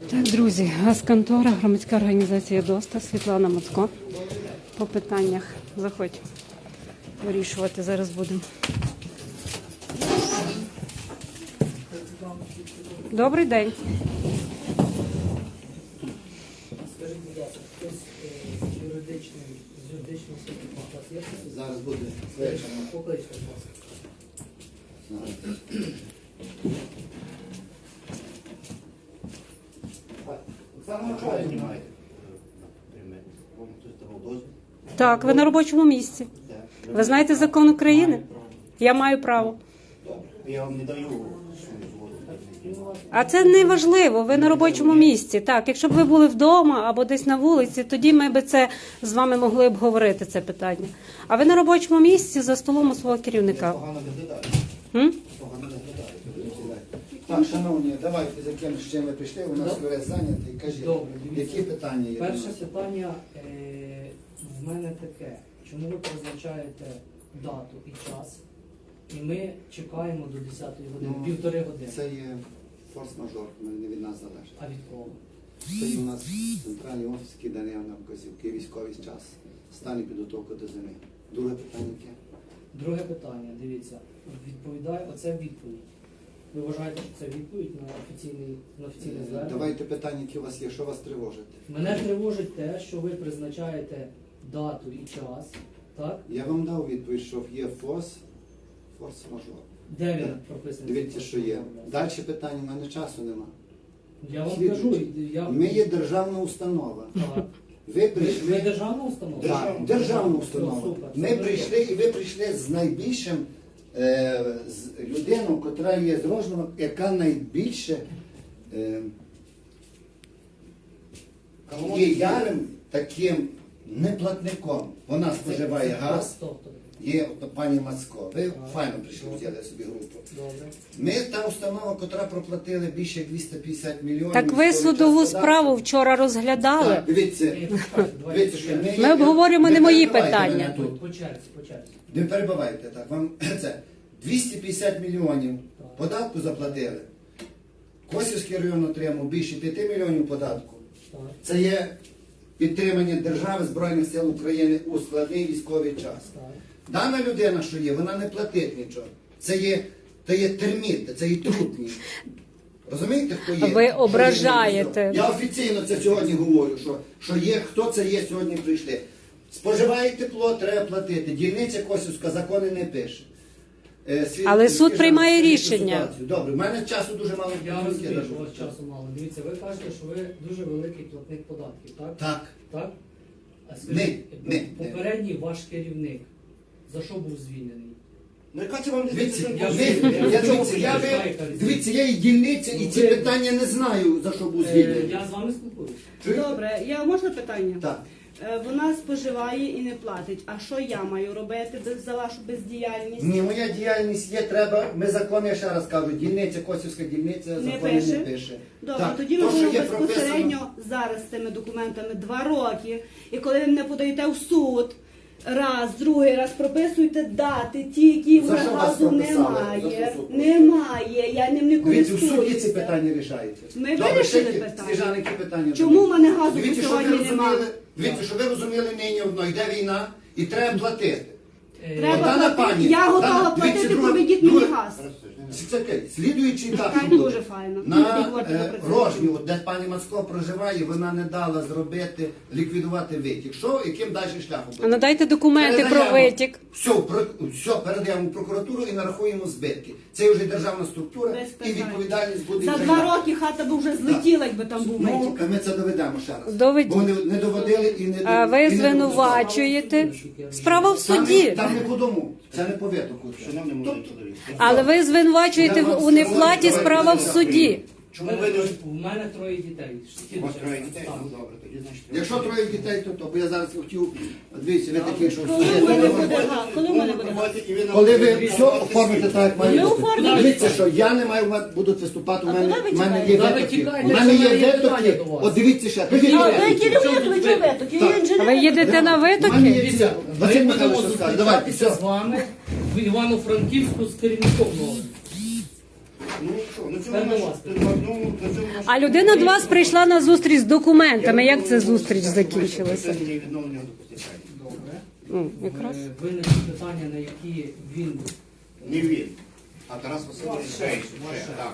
Так, друзі, газконтора, громадська організація ДОСТа, Світлана Мацко. По питаннях заходь вирішувати зараз будемо. Добрий день. Скажіть, будь ласка, хтось з юридичного сертифікату є? Зараз буде вечора. Покличте, будь ласка. Так, ви на робочому місці. Ви знаєте закон України? Я маю право. Я вам не даю свою згоду. А це не важливо, ви на робочому місці. Так, якщо б ви були вдома або десь на вулиці, тоді ми б це з вами могли б говорити, це питання. А ви на робочому місці за столом у свого керівника. Погано виглядаєте. М? Погано виглядаєте. Так, шановні, давайте за ким з чим ви прийшли, у нас весь зайнятий. Кажіть, Добре, дивіться. які питання є? Перше питання в мене таке. Чому ви призначаєте дату і час, і ми чекаємо до 10-ї години, півтори години? Це є форс-мажор, не від нас залежить. А від кого? Це є у нас центральний офіс, який дає нам вказівки, військовий час, стан і підготовка до зими. Друге питання яке? Друге питання, дивіться, відповідає, оце відповідь. Ви вважаєте, що це відповідь на офіційне звернення? Давайте питання, які у вас є, що вас тривожить? Мене тривожить те, що ви призначаєте дату і час, так? Я вам дав відповідь, що є форс-мажор. Де він прописаний? Дивіться, що є. Далі питання, в мене часу нема. Я вам Слідуючи. кажу, Ми є державна установа. Так. Ви Ви прийшли. державна установа? Так, державна Ну, установа. супер, це Ми добре. прийшли і ви прийшли з найбільшим з людиною, яка є з Рожного, яка найбільше є ярим таким неплатником. Вона споживає газ. Тобто, Є пані Мацко. Ви файно прийшли, взяли собі групу. добре. Ми та установа, котра проплатили більше 250 мільйонів. Так ви військовий судову час справу податку. вчора розглядали. Так, дивіться, дивіться, що Ми обговорюємо ви не мої перебивайте питання. мене тут. По черзі, по черзі. Не перебивайте так. Вам це 250 мільйонів податку заплатили. Косівський район отримав більше 5 мільйонів податку. Так. Це є підтримання держави Збройних сил України у складний військовий час. Так. Дана людина, що є, вона не платить нічого. Це є терміт, це є трутні. Розумієте, хто є? Ви ображаєте. Я офіційно це сьогодні говорю, що є, хто це є сьогодні прийшли. Споживає тепло, треба платити. Дільниця Косівська закони не пише. Але суд приймає рішення. Ситуацію. Добре, в мене часу дуже мало. Я розумію, що у вас часу мало. Дивіться, ви кажете, що ви дуже великий платник податків, так? Так. Так? А скажіть, Не. попередній ваш керівник за що був звільнений? Ну, яка це вам Дивіться, дивіться, я і дільниця, і ці питання не знаю, за що був звільнений. Я з вами спілкуюся. Добре, можна питання? Так. Вона споживає і не платить. А що я маю робити за вашу бездіяльність? Ні, моя діяльність є, треба, ми закони, я ще раз кажу, дільниця, Косівська дільниця, Не закони не пише? пише. Добре, Так, тоді ми то, що будемо є прописано- безпосередньо зараз з цими документами 2 роки. І коли ви мене подаєте в суд, раз, другий раз прописуйте дати, ті, які в За що вас газу прописали? За немає. що суд? Немає, я ним не Дивіться, в суді ці користуюся. питання рішаються. Ми Добре, вирішили ще які? питання. Сніжани, які питання? Чому будуть? в мене газу Дивіться, що сьогодні ви немає? розуміли, дивіться, що ви розуміли нині одно, йде війна і треба платити. Треба Дана платити. пані, Я готова дана- платити, дивіться, друге- проведіть мені друге- газ. Це окей. Слідуючий етап, Так, що буде. дуже файно. На Не говорте про працівників. Рожню, от де пані Мацко проживає, вона не дала зробити, ліквідувати витік. Що, яким далі шляхом А буде? надайте документи про Передаємо. витік. Все, передаємо в прокуратуру і нарахуємо збитки. Це вже державна структура Без і питань. відповідальність буде. За вже 2 наша. роки хата б вже злетіла, якби там був Ну, витік. ми це доведемо ще раз. Доведіть. Бо не доводили і не А ви і не звинувачуєте. Справа в Там суді. Там не по дому, це не по витоку. Але ви звинувачуєте у неплаті, справа в суді. Чому ви не... У мене 3 дітей. У вас 3 дітей? Так. Ну добре, тоді значить. Якщо 3 дітей, то, бо я зараз хотів, дивіться, ви такі, що Коли в мене буде газ? Коли в мене буде газ? коли ви все оформите так, як має Ми бути. оформимо. Дивіться, що я не маю, будуть виступати, у А мене, куди ви в мене є тікаєте? Ви витоки. тікаєте, У мене є що я витоки. питання до вас. От дивіться ще. А ви керівник, ви живете, я Так. інженер. Ви їдете на У мене витоки? є Дивіться, Василь ми Михайлович будемо що скаже. Давайте, зустрічатися все. з вами в Івано-Франківську з керівником новим. Ну що, ну Тепер цьому до вас. А людина до вас прийшла на зустріч з документами. Як ця зустріч закінчилася? Відновлення водопостачання. Добре. Якраз. Виникли питання, на які він Не він, а Тарас Васильович Шейш. Так.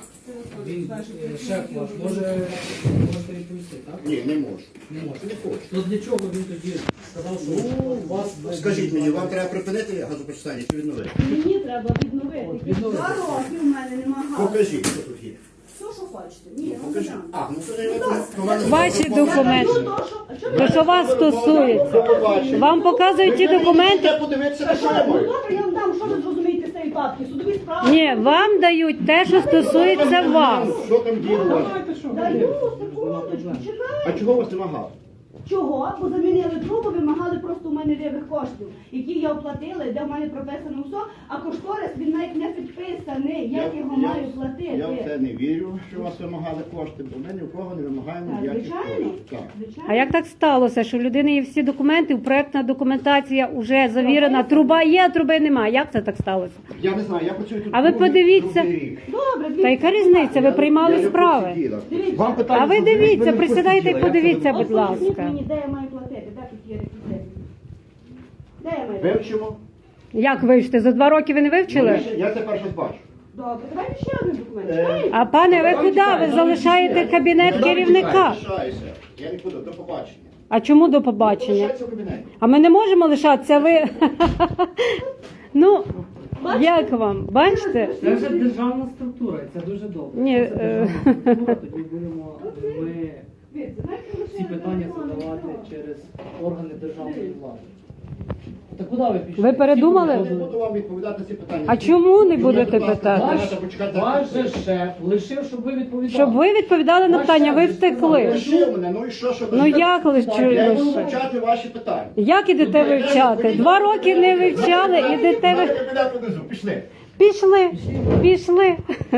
шеф ваш можете відповісти, так? Ні, не можу. Не може. Не хочу. То для чого він тоді сказав, що у вас Скажіть мені, вам треба припинити газопостачання чи відновити? Мені треба відновити. відновити. 2 роки в мене нема газу. Покажіть, що тут є. Все, що хочете. Ні, я вам Покажіть. дам. А, ну то не мене. Ваші документи. Ну, то, що... А чого То, що вас стосується. Вам показують ті документи. Я подивитися, на що я Ну, маю. добре, я вам дам, що ви зрозумієте з цієї папки? Судові справи. Ні, вам дають те, що стосується вас. Що там діло у вас? Даю, секундочку, чекай. А чого у вас нема газу? Чого? Бо замінили трубу, вимагали просто у мене лівих коштів, які я оплатила, де в мене прописано все, а кошторис він навіть не підписаний, як його маю платити. Я в це не вірю, що у вас вимагали кошти, бо ми ні в кого не вимагаємо Так, ніяких звичайно. коштів. Так. Звичайно. А як так сталося, що у людини є всі документи, проектна документація вже завірена, труба є, а труби немає? Як це так сталося? Я не знаю, я працюю тут. А ви подивіться. другий рік. Добре, Та яка різниця? Ви Я приймали не справи. посиділа. Дивіться. Вам питання А ви задають, дивіться, не присідайте і посиділа. Я подивіться, це будь Поясніть ласка. мені, де я маю платити, де тут є реквізити? Де я маю платити? Вивчимо. Як вивчите? За 2 роки ви не вивчили? Я це перше бачу. Добре, давайте ще один документ. Е, Чекайте. А пане, ви куди? Ви залишаєте кабінет керівника. Я лишаюся. Я нікуди, до побачення. А чому до побачення? Лишайтеся в кабінеті. А ми не можемо лишатися, ви... Ну, як вам? Бачите? Це вже державна структура, і це дуже добре. Ні, Якщо це державна структура, тоді будемо ми Дивіться, знаєте, ці лише питання телефон, задавати телефон. через органи державної влади. Та куди ви пішли? Ви передумали? Я не буду вам відповідати на ці питання. А чому не Ви, будете будь ласка, питати? давайте почекайте. Ваш же шеф лишив, щоб ви відповідали. Щоб ви відповідали на питання, ви втекли. Лишив мене, ну і що, що ви? Ну як лише? Я буду вивчати ваші питання. Як ідете вивчати? 2 роки не вивчали, ідете ви... Кабінет внизу, пішли. Пішли.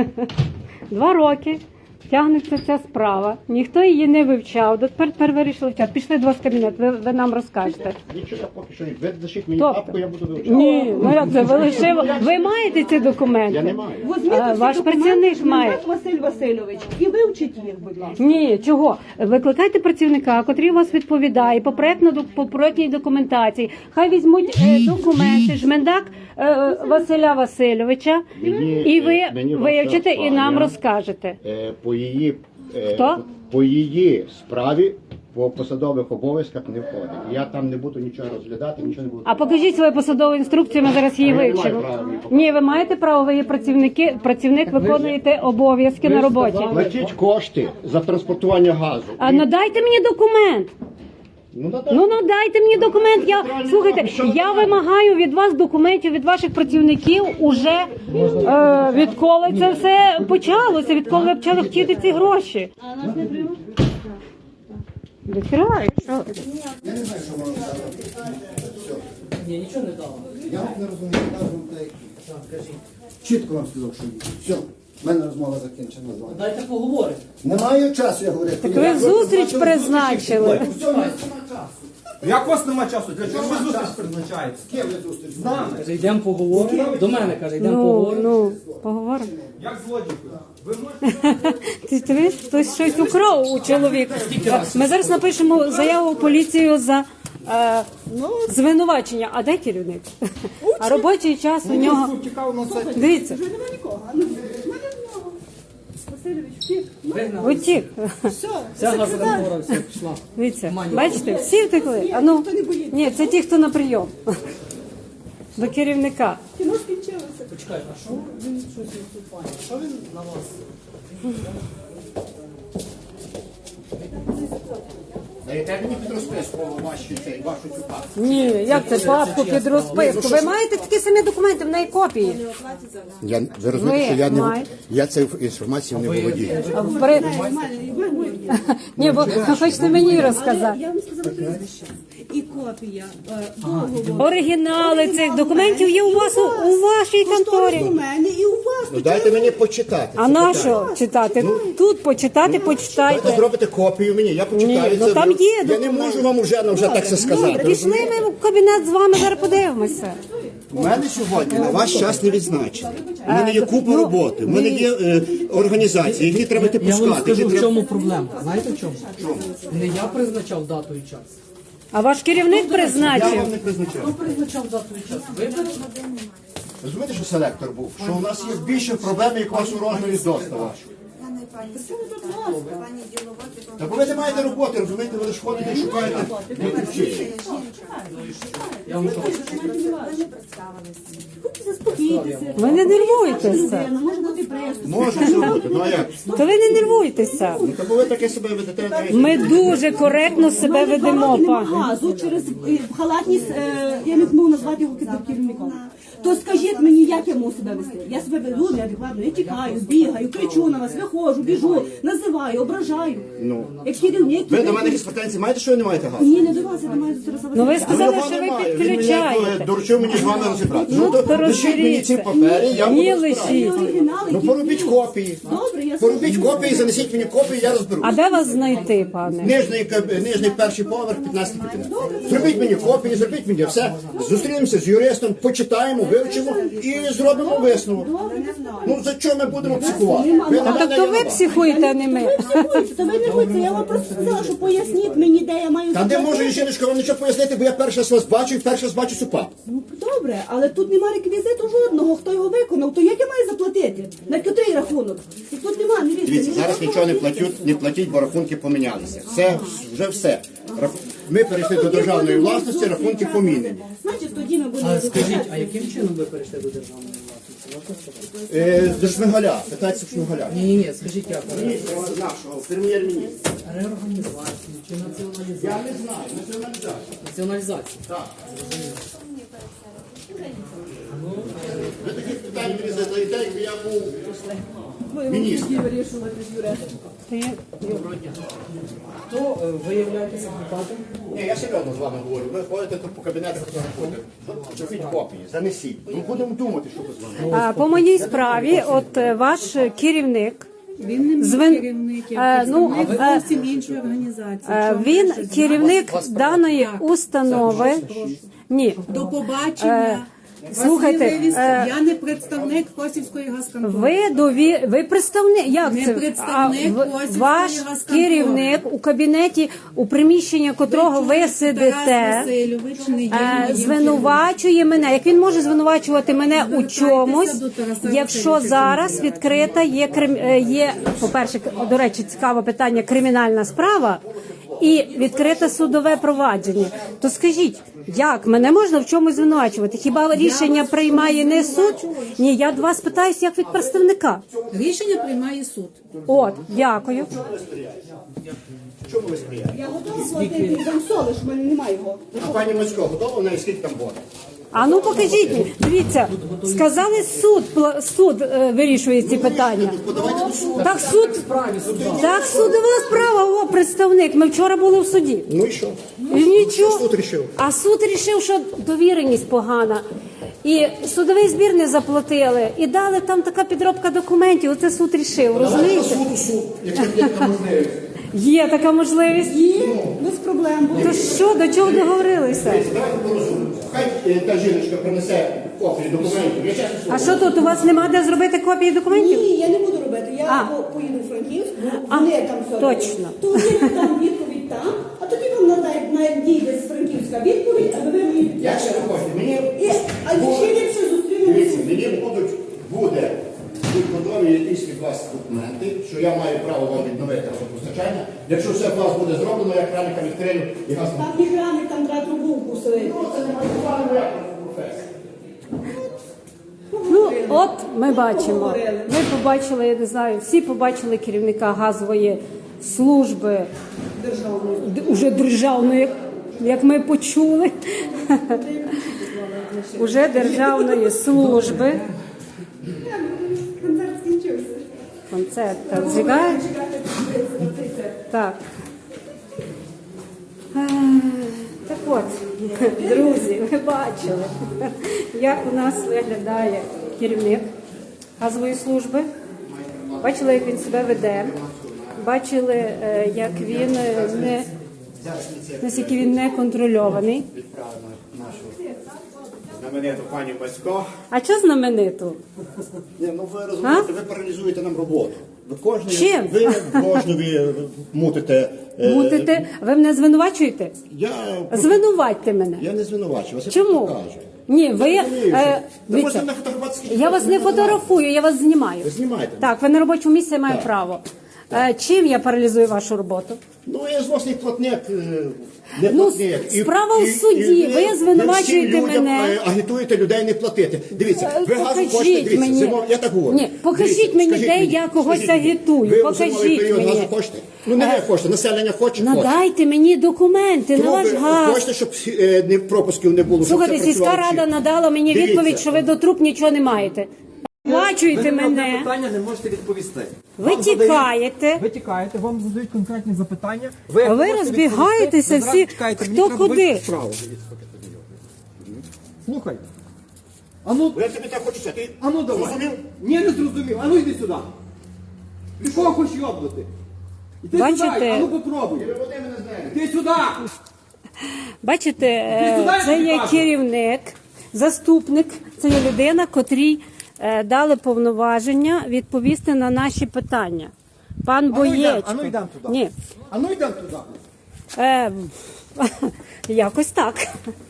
2 роки тягнеться ця справа. Ніхто її не вивчав. Тепер вирішили вчати. Пішли до вас в кабінет, ви нам розкажете. Нічого поки що. Ви зашіть мені Тобто? папку, я буду вивчати. Ні, ну як це? Ви лишили. Ви маєте ці документи? Я не маю. Візьміть А, усі ваш документи, працівник має. Жмурак Василь Васильович, і вивчіть їх, будь ласка. Ні, чого? Викликайте працівника, котрий у вас відповідає по проектній документації. Хай візьмуть документи, жмендак Василя Васильовича, і ви мені вивчите і нам я- розкажете. По її, Хто? по її справі по посадових обов'язках не входить. Я там не буду нічого розглядати, нічого не буду. А покажіть свою посадову інструкцію, ми зараз її Я не маю вивчимо. права її показати. Ні, ви маєте право, ви є працівник, виконуєте обов'язки на роботі. Платіть кошти за транспортування газу. А надайте мені документ. Ну надайте мені документ. Слухайте, я вимагаю від вас документів від ваших працівників уже відколи це все почалося, відколи ви почали хотіти ці гроші. А нас не приймуть? Відкривай. Що? Я не знаю, що вам сказати. Ні, нічого не дало. Я не розумію, кажу, та які. Так, кажіть. Чітко вам сказав, що ні. Все, в мене розмова закінчена з вами. Дайте поговорити. Немає часу, я говорю. Ви зустріч призначили. Все, нема часу. Як у вас нема часу? Для чого ви зустріч призначаєте? З ким ви зустріч? З нами. Каже, йдемо поговоримо. До мене каже, йдемо поговоримо. Поговоримо. Як злодійкою? Ви можете... Ти дивись, хтось щось украв у чоловіка. Ми зараз напишемо заяву в поліцію за звинувачення. А де керівник? А робочий час у нього. Дивіться, Нема нікого. А ну, в мене знову. Васильович, втік. Вигнали. утік. Все, Вся газоконтора все пішла. Дивіться, бачите, всі втекли. А ну, ні, це ті, хто на прийом. До керівника. кіно скінчилося. Почекай, а що він щось не вступає? Що він на вас? Даєте мені під розписку вашу цю папку? Ні, як це папку під розписку? Ви маєте такі самі документи, в неї копії. Ви розумієте, що маєте. я цією інформацією не володію. Ні, бо ви хочете мені розказати. Я вам сказала прізвище. І копія договору. Оригінали цих документів є у вас у вашій У конторі. мене і у вас. Ну дайте мені почитати. А на що читати? Тут почитати, Дайте почитайте. зробите копію мені, я почитаю. Ні, ну це. там є Я не документи. можу вам вже так це сказати. Пішли ми в кабінет з вами, зараз подивимося. У мене сьогодні на ваш час не відзначений. У мене є купа роботи, у мене є організації, які треба Я вам пускати. скажу, які в треба- чому проблема. Знаєте в чому? Не я призначав дату і час. А ваш керівник Я призначив. вам не призначав. Хто призначав дату і час? Ви Розумієте, що селектор був? Що у нас є більше проблем, як у вас у розмірі достава. Та бо ви не маєте роботи, розумієте, ви лише ходите і шукаєте. Я вам кажу. Заспокійтеся. Ви не нервуйтеся. Людина, може бути пресу. Може все бути, ну а як? То ви не нервуйтеся. Ну, та бо ви таке себе ведете. знаєте. Ми дуже коректно себе ведемо, пане. Газу через халатність, я не можу назвати його керівником. То скажіть мені, як я можу себе вести? Я себе веду неадекватно, я тікаю, бігаю, кричу на вас, виходжу, біжу, називаю, ображаю. Ну. Як керівник, Ви до мене якісь претензії маєте, що ви не маєте газу? ні, не до вас, я до мене зараз. Ну ви Ну, сказали, його що ви немає. Він мені підключаєте. доручив мені з вами розібратися. Ну, Ну, то то лишіть мені ці розберіться. папери, я буду Ні, розбиратися. лишіть. Оригінали, Ну які- поробіть копії. Добре, я Поробіть копії, занесіть мені копії, я розберу. А де вас знайти, пане? Нижній перший поверх, 15 кабінет. Зробіть мені копії, зробіть мені все. Зустрінемося з юристом, почитаємо, вивчимо і зробимо висновок. Ну за що ми будемо психувати? Ви на А мене, тобто я ви на вас. психуєте, а не ми. Та ви не будьте, я вам просто сказала, що поясніть мені, де я маю Та де заплатити. може жіночка вам нічого пояснити, бо я перший раз вас бачу і перший раз бачу СУПА. Ну добре, але тут немає реквізиту жодного, хто його виконав, то як я маю заплатити? На котрий рахунок? І тут немає, не вірте. Дивіться, ну, зараз що нічого не платити? платять, бо рахунки помінялися. Це вже все. Ми перейшли до державної власності, рахунки помінені. Значить, тоді ми будемо А скажіть, а яким чином ви перейшли до державної власності? До Шмигаля, питається Шмигаля. Ні, скажіть як? Нашого прем'єр-міністра. Реорганізацію чи націоналізацію? Я не знаю, націоналізація. Націоналізацію. Так. Ви таких питань мені задаєте, якби я був міністр. Хто ви являєтеся адвокатом? Ні, я серйозно з вами говорю. Ви ходите тут по кабінетах, зробіть копії, занесіть. Ну будемо думати, що ви з вами. А, по моїй справі, от ваш керівник. Він не мій Звин- керівник, ну, я представник а- зовсім іншої організації. Він Чого ви ще керівник даної установи. Ні, До побачення. слухайте, Василь Левіс, я не представник Косівської газконтори. ви представник. Як Не це? представник Ваш Косівської газконтори. керівник у кабінеті, у приміщенні котрого ви Тарас сидите. Васильович не є моїм Звинувачує мене. Як він може звинувачувати мене у Звертайтеся чомусь, до Тараса якщо Васильовича зараз Кандидата. відкрита є, по-перше, до речі, цікаве питання, кримінальна справа і відкрите судове провадження. То скажіть, як мене можна в чомусь звинувачувати? Хіба рішення приймає не суд? Ні, я до вас питаюся як від представника. Рішення приймає суд. От, дякую. Чому ви сприяєте? Я готова платити за соли, що в мене немає його. А пані Мацько готова, на скільки там буде? А ну покажіть мені. Дивіться, сказали суд вирішує ці питання. Подавайте до суду. Так судова справа, о, представник. Ми вчора були в суді. Ну і що? І нічого. Суд рішив? А суд рішив, що довіреність погана. І судовий збір не заплатили. І дали там така підробка документів. Оце суд рішив, розумієте? Суд, якщо є така можливість. Є така можливість. Без проблем. То що, до чого договорилися? Давайте порозуміємо. Хай та жіночка принесе копії документів. Я чесно А слово. що тут, у вас нема де зробити копії документів? Ні, я не буду робити. Я А. поїду в Франківськ, А, вони там все точно. роблять. То вони там відповідь там, а тоді вам надійде з Франківська відповідь, аби ви мені... Як ще ви хочете? Мені А ще ліпше зустрінемося. дивіться, мені буде готові якісь від вас документи, що я маю право вам відновити газопостачання. Якщо все у вас буде зроблено, я краника відкрию і газ не Там ні храни, там треба трубу вкусити. це не має моя професія. Ну, от ми бачимо. Ми побачили, я не знаю, всі побачили керівника газової служби уже державної, як ми почули. Уже державної служби. Концерт скінчився. Концерт так зігає. Так. Так от, друзі, ви бачили, як у нас виглядає керівник газової служби. Бачили, як він себе веде. Бачили, як він наскільки він не контрольований. знамениту пані Бацько. А що знамениту? Ні, ну ви розумієте, ви паралізуєте нам роботу. Ви кожної, Чим? ви кожної мутите. Мутите? Ви мене звинувачуєте? Я Звинуватьте мене. не звинувачую, вас я Чому? просто кажу. Ні, ви... Розумію, що- е, Ви дивіться, можете не фотографуватися, я вас не фотографую, я вас знімаю. Ви знімаєте? Так, ви на робочому місці маєте Так. право. Чим я паралізую вашу роботу? Ну, я злосний платник, не Ну, платник. справа в суді. Ви звинувачуєте ви всім людям, мене. Агітуєте людей не платити. Дивіться, ви газу Покажіть хочете, дивіться, мені. я так говорю. Ні, покажіть Дивіться, мені, скажіть де мені, я когось скажіть мені. агітую. Ви у Покажіть зимовий період мені. газу хочете? Ну, не ви хочете, населення хоче. Надайте мені документи на Чому ваш ви газ. хочете, щоб пропусків не було? щоб Слухайте, це сільська працювало рада всі? надала мені Дивіться. відповідь, що ви до труб нічого не маєте. Оплачуйте Ви на одне мене. питання не можете відповісти. Ви Вам тікаєте. Ви тікаєте, вам задають конкретні запитання. А ви можете розбігаєтеся відповісти, ви всі, зразу чекаєте, мені хто треба куди. вийти вправо. Слухай. Ану, Я тобі так хочу сказати. ану давай. Зрозумів? Ні, не зрозумів. Ану йди сюди. Ти кого хочеш йобнути? Іди Бачите? сюди, ану попробуй. Іди сюди. Бачите, Ти туди це є кажу. керівник, заступник, це є людина, котрій дали повноваження відповісти на наші питання. Пан Боєчко. ану йдемо туди. Ні. Ану йдемо туди. Якось так.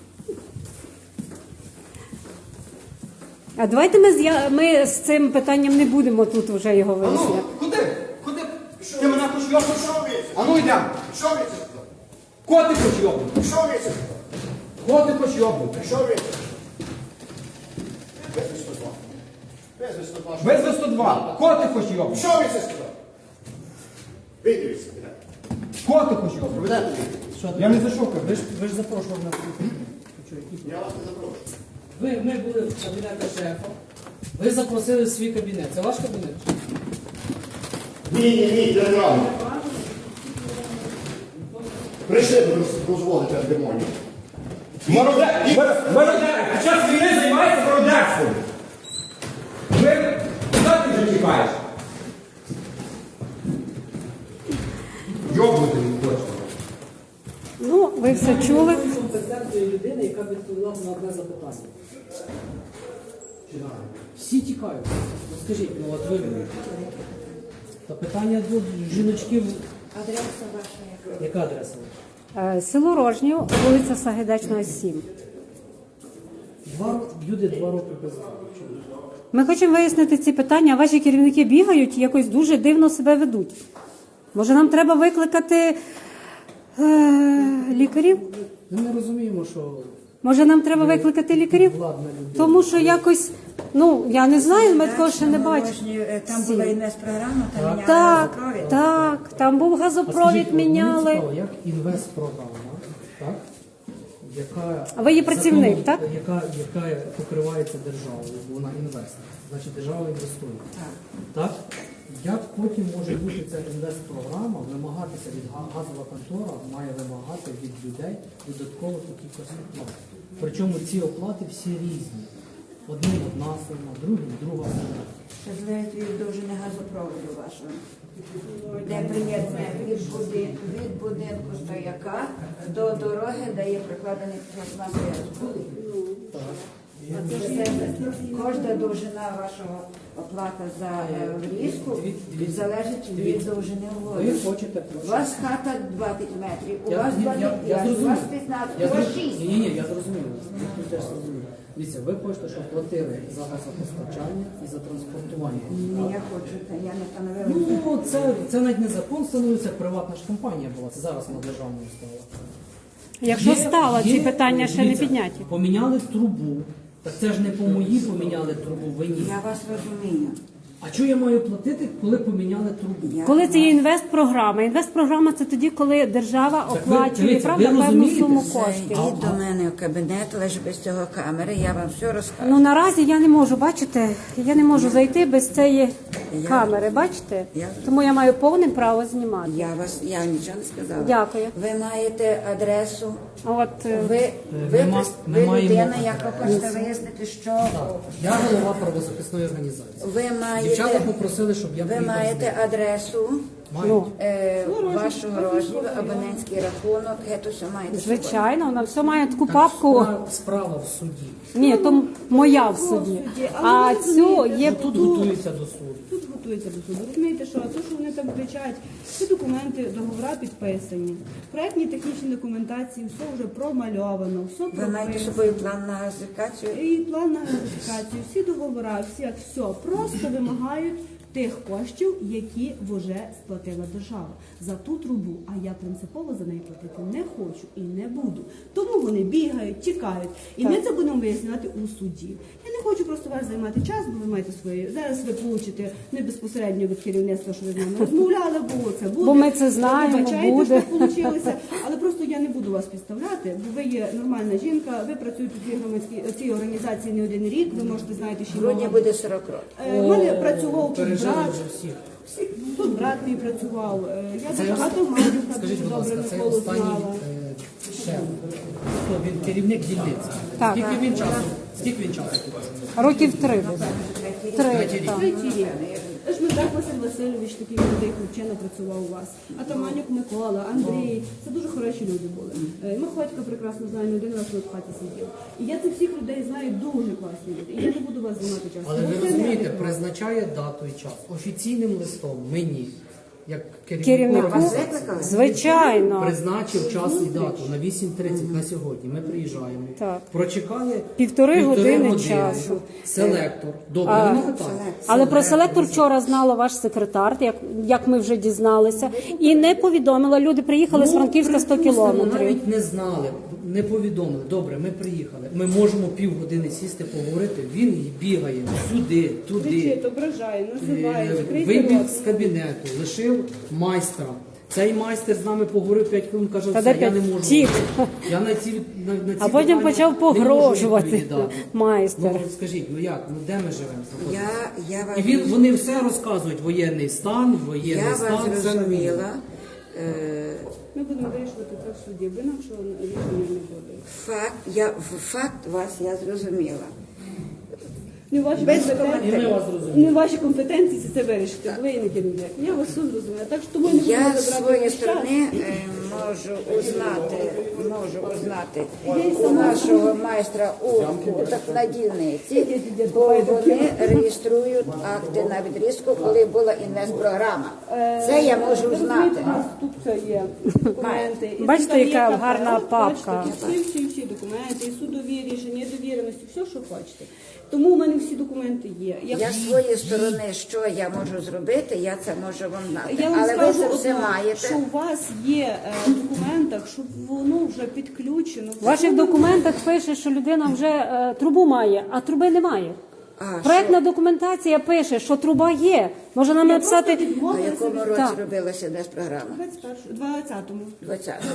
А давайте ми з цим питанням не будемо тут вже його Ану, виясняти. куди? Куди? Ти мене хочеш йобнути? Ану йдемо. Що ви це? Кого ти хочеш йобнути? Що ви це? Кого ти хочеш йобнути? Що ви це? Визвись 102. Визвись 102. Визви 102. Кого ти хочеш йобнути? Що ви це сказали? Вийдіть. Кого ти хочеш йобнути? Я не зайшов. Ви ж запрошували нас. Я вас не запрошую. Ми були в кабінеті шефа. Ви запросили в свій кабінет. Це ваш кабінет? Ні, державний. Прийшли дозволити демонів. Мародер! Під час війни займається мародерством. Ви куди ти вже тікаєш? Йобнути не хочеш. Ну, ви все чули. Компетентної людини, яка відповіла на одне запитання. Всі тікають. Ну, скажіть, ну от ви. Та питання до жіночків. Адреса ваша яка? Яка адреса? Село Рожнів, вулиця Сагайдачного, 7. Люди 2 роки без. Ми хочемо вияснити ці питання, а ваші керівники бігають і якось дуже дивно себе ведуть. Може, нам треба викликати лікарів? Ми не розуміємо, що Може, нам треба викликати лікарів? владна людина. Тому що якось, ну, я не знаю, ми такого ще не бачимо. Там була інвестпрограма, там міняли Так, газопровід. так, там був А газопровід, скажіть, мені міняли. цікаво, як інвестпрограма, так? Яка А ви є працівник, так? Яка покривається державою, бо вона інвестор. Значить, держава інвестує. Так? Як потім може бути ця інвестпрограма вимагатися від газова контора, має вимагати від людей додаткових якихось оплат. Причому ці оплати всі різні. Одним одна сума, другим друга сума. Це залежить від довжини газопроводу вашого. Де приєднання від будинку стояка до дороги, де є прикладений пластмасовий розбуд. Кожна довжина вашого оплата за врізку залежить від довжини Ви води. хочете У вас хата 20 метрів, у вас я 25, у зрозумів. вас 15, у вас 6. Ні, я зрозумів. Ви теж зрозумів. Дивіться, ви хочете, щоб платили за газопостачання і за транспортування. Ні, я хочу, я не встановила. Ну, це навіть не закон встановлюється, приватна ж компанія була. Це зараз на державному стала. Якщо стало, ці питання ще не дивіться, підняті. Поміняли трубу. Так це ж не по моїй поміняли трубу, ви ні. Я вас розумію. А що я маю платити, коли поміняли трубу? Коли це є інвестпрограма. Інвестпрограма – це тоді, коли держава Так ви, оплачує, дивіться, правда, ви певну розумієте? суму Це коштів. йдіть до мене в кабінет, лише без цього камери, я вам все розкажу. Ну, наразі я не можу, бачите, я не можу зайти без цієї камери, бачите? Тому я маю повне право знімати. Я нічого не сказала. Дякую. Ви маєте адресу, От, ви ми маємо людина, яка адресу. хоче вияснити, що Я голова правозахисної організації. ви Дівчата маєте, попросили, щоб я ви приїхав з маєте ними. адресу, Ну, Вашого розміру, абонентський рахунок, гетто все маєте. звичайно, вона все має таку папку. Справа в суді. Ні, то моя в суді. А цю є Тут готується до суду. Тут готується до суду. Розумієте, що те, що вони там кричать, всі документи, договори підписані, проектні технічні документації, все вже промальовано, все Ви маєте з прописано. собою план на газифікацію? І план на газифікацію, всі договори, все. Просто вимагають тих коштів, які вже сплатила держава за ту трубу. А я принципово за неї платити не хочу і не буду. Тому вони бігають, тікають. І ми це будемо виясняти у суді. Я не хочу просто вас займати час, бо ви маєте свої. Зараз ви получите не безпосередньо від керівництва, що ви з нами розмовляли, було це буде. Бо ми це знаємо, Вибачайте, буде. що вийшло. Але просто я не буду вас підставляти, бо ви є нормальна жінка, ви працюєте в цій організації не один рік, ви можете знаєте, що В грудні буде 40 років. в мене працював тут Пережили брат. вже всіх. Тут брат мій працював. Я Це багато гадюка Скажіть, дуже будь ласка, добре це Миколу останній знала. шеф. Хто він керівник дільниці? Так. Скільки він часу? Скільки він часу тут? років 3 буде. Третій рік. Третій рік. Жмидрак Василь Васильович, такий молодий хлопчина, працював у вас. Атаманюк Микола, Андрій. Це дуже хороші люди були. Михотько прекрасно знаю, не один раз тут в хаті сидів. І я цих всіх людей знаю, дуже класні люди. І я не буду вас займати часу. Але Бо ви це розумієте, неадекватно. призначає дату і час. Офіційним листом мені, як Керівнику? керівнику, Звичайно. призначив час і дату на 8:30 на сьогодні. Ми приїжджаємо. Так. Прочекали Півтори години часу. Селектор. Добре, нема питань. Але про селектор вчора знала ваш секретар, як ми вже дізналися, і не повідомила. Люди приїхали з Франківська 100 припустимо, кілометрів. навіть не знали, не повідомили. Добре, ми приїхали. Ми можемо півгодини сісти, поговорити. Він бігає сюди, туди. Кричить, ображає, називає, закрийте Вибіг рот. з кабінету, лишив майстра. Цей майстер з нами поговорив 5 хвилин, каже, Та все, де я не п'ять? можу. Тік. Я на ці А потім питання почав не можу погрожувати відповідати. майстер. Ну, скажіть, ну як, ну де ми живемо? Я вас, І вони все розказують, воєнний стан, воєнний я стан, вас все на війні. зрозуміла. Ми будемо вирішувати це в суді, бо інакшого рішення не буде. Факт вас я зрозуміла. Не ваші Без компетенції, І ми вас розуміємо. не ваші компетенції це вирішити. Ви не керівник. Я вас суд зрозуміла. Так що тому не Я будемо з забрати своєї ваш час. сторони можу узнати у нашого майстра на дільниці, бо вони реєструють акти на відрізку, коли була інвестпрограма. Це я можу Розумієте, знати. у нас тут все є документи. І Бачите, там є яка КП, гарна от папка. бачите, всі документи, і судові рішення, і довіреності, все, що хочете. Тому у мене всі документи є. Я з своєї сторони, що я можу зробити, я це можу вам знати. Я вам Але ви скажу це все одно, маєте. що у вас є в документах, щоб воно вже підключено. В ваших документах пише, що людина вже трубу має, а труби немає. Проектна документація пише, що труба є. Може нам написати... А в якому році Так. робилася інвестпрограма? 20-му. 20-му.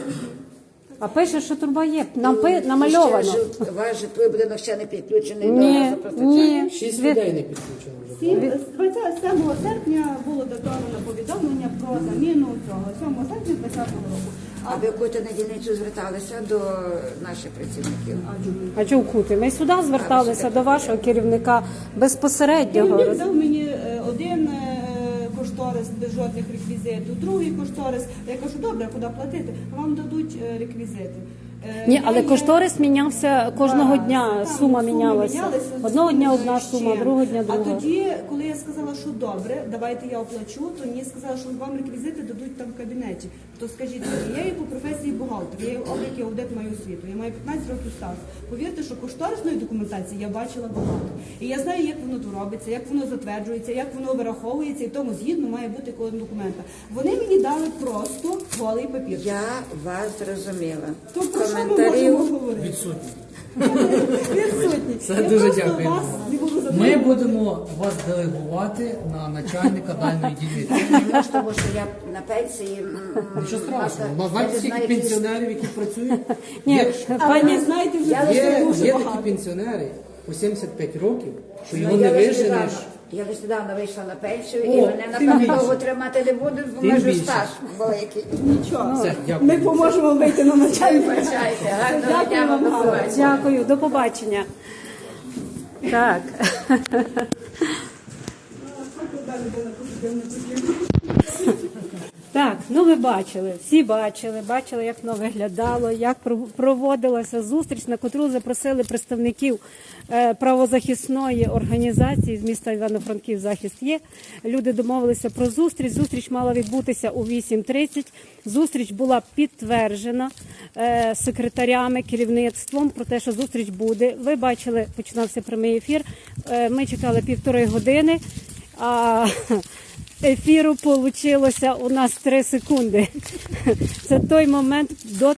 А пише, що труба є. Намальовано. Ваш житловий будинок ще не підключений до Ні, газопостачання. ні. 6 людей не підключено вже. 27 серпня було датовано повідомлення про заміну цього. 7 серпня 2020 року. А ви в яку на дільницю зверталися до наших працівників? А чого вкути? Ми сюди зверталися до вашого керівника безпосереднього. Керівник дав мені один кошторис без жодних реквізитів, другий кошторис. Я кажу, добре, куди платити? Вам дадуть реквізити. Ні, але Я- кошторис мінявся кожного дня, Так, сума суми мінялася. мінялися, Одного дня суми одна ще. сума, другого дня А друга. тоді, коли я сказала, що добре, давайте я оплачу, то мені сказали, що вам реквізити дадуть там в кабінеті. То скажіть мені, я є по професії бухгалтер, я є облік і аудит маю освіту, я маю 15 років стажу. Повірте, що кошторисної документації я бачила багато. І я знаю, як воно тут робиться, як воно затверджується, як воно вираховується, і тому згідно має бути кожен документа. Вони мені дали просто голий папір. Я вас зрозуміла. То про що ми Коментарів. можемо говорити? Відсутні. Відсутні. Це Я дуже просто дякую. вас не буду Ми задоволена. будемо вас делегувати на начальника дальної дільниці. Тому що я на пенсії. Нічого страшного. я У нас знаєте, не скільки знаю, пенсіонерів, які працюють? Ні, Є, Але пані, ви знаєте, вже Я це є, дуже є такі багато. пенсіонери по 75 років, що його Ну, не я лише виженеш. недавно- Я лише недавно вийшла на пенсію, О, і мене тим напевно більше. довго тримати не будуть, бо Тим майже більше. стаж великий. Нічого. Все, дякую. Ми поможемо вийти на начальника. Вибачайте, гарного Дякую дня вам, вам до гарно. побачення. дякую, до побачення. Так. Далі буде на позитивне. Так, ну ви бачили, всі бачили, як воно виглядало, як проводилася зустріч, на котру запросили представників правозахисної організації з міста Івано-Франків «Захист є». Люди домовилися про зустріч. Зустріч мала відбутися у 8:30. Зустріч була підтверджена секретарями, керівництвом про те, що зустріч буде. Ви бачили, починався прямий ефір. Ми чекали 1,5 години, а ефіру вийшло у нас 3 секунди. Це той момент до